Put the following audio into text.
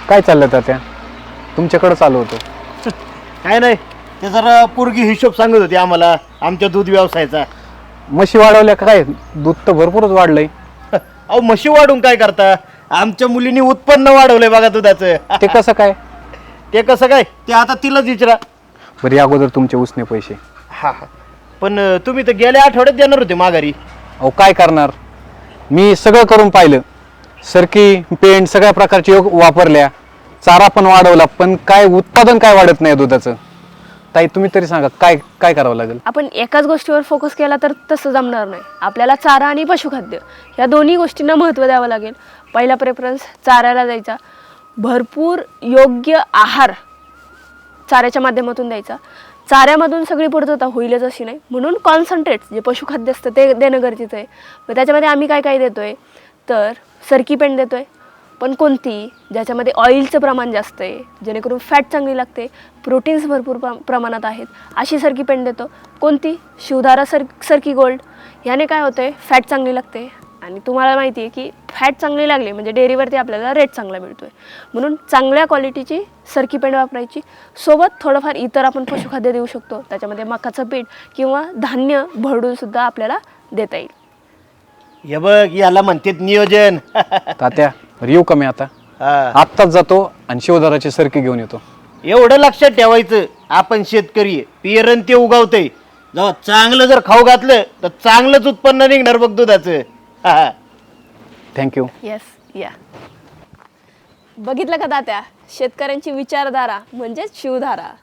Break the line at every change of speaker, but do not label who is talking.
काय चाललं तात्या? तुमच्याकडे चालू होतं.
काय नाही, ते जरा पोरगी हिशोब सांगत होती आम्हाला आमच्या दूध व्यवसायाचा.
म्हशी वाढवल्या का काय? दूध तर भरपूरच वाढलंय.
अहो म्हशी वाढून काय करता? आमच्या मुलींनी उत्पन्न वाढवलंय बघा दुधाचं.
ते कसं काय?
ते कसं काय ते आता तिलाच विचारा.
बरी अगोदर तुमचे उसने पैसे.
हा हा. पण तुम्ही तर गेल्या आठवड्यात देणार होते माघारी.
अहो काय करणार, मी सगळं करून पाहिलं. सरकी पेंट सगळ्या प्रकारचे योग वापरल्या, चारा पण वाढवला, पण काय उत्पादन काय वाढत नाही दुधाचं. ताई तुम्ही तरी सांगा काय काय करावं लागेल?
आपण एकाच गोष्टीवर फोकस केला तर तसं जमणार नाही. आपल्याला चारा आणि पशुखाद्य या दोन्ही गोष्टींना महत्त्व द्यावं लागेल. पहिला प्रेफरन्स चाऱ्याला द्यायचा. भरपूर योग्य आहार चाऱ्याच्या माध्यमातून द्यायचा. चाऱ्यामधून सगळी पूर्तता होईलच अशी नाही, म्हणून कॉन्सन्ट्रेट्स जे पशुखाद्य असतं ते देणं गरजेचं आहे. मग त्याच्यामध्ये आम्ही काय काय देतो आहे तर सरकी पेंड देतो आहे, पण कोणती ज्याच्यामध्ये ऑइलचं प्रमाण जास्त आहे, जेणेकरून फॅट चांगली लागते, प्रोटीन्स भरपूर प्रमाणात आहेत, अशी सरकी पेंड देतो. कोणती? शिवधारा सरकी गोल्ड. याने काय होतं आहे, फॅट चांगली लागते. आणि तुम्हाला माहिती आहे की फॅट चांगली लागली म्हणजे डेअरीवरती आपल्याला रेट चांगला मिळतो आहे. म्हणून चांगल्या क्वालिटीची सरकी पेंड वापरायची. सोबत थोडंफार इतर आपण पशुखाद्य देऊ शकतो. त्याच्यामध्ये मकाचं पीठ किंवा धान्य भरडूनसुद्धा आपल्याला देता येईल.
हे बघ, याला म्हणतात नियोजन.
तात्या येऊ का मी आता?
हा.
आत्ताच जातो आणि शिवधाराची सरकी घेऊन येतो.
एवढं लक्षात ठेवायचं, आपण शेतकरी आहे, पेरण ते उगवतंय. जेव्हा चांगलं जर खाऊ घातलं तर चांगलंच उत्पन्न निघणार बघ दुधाचं. हा.
थँक्यू.
येस या. बघितलं का तात्या, शेतकऱ्यांची विचारधारा म्हणजेच शिवधारा.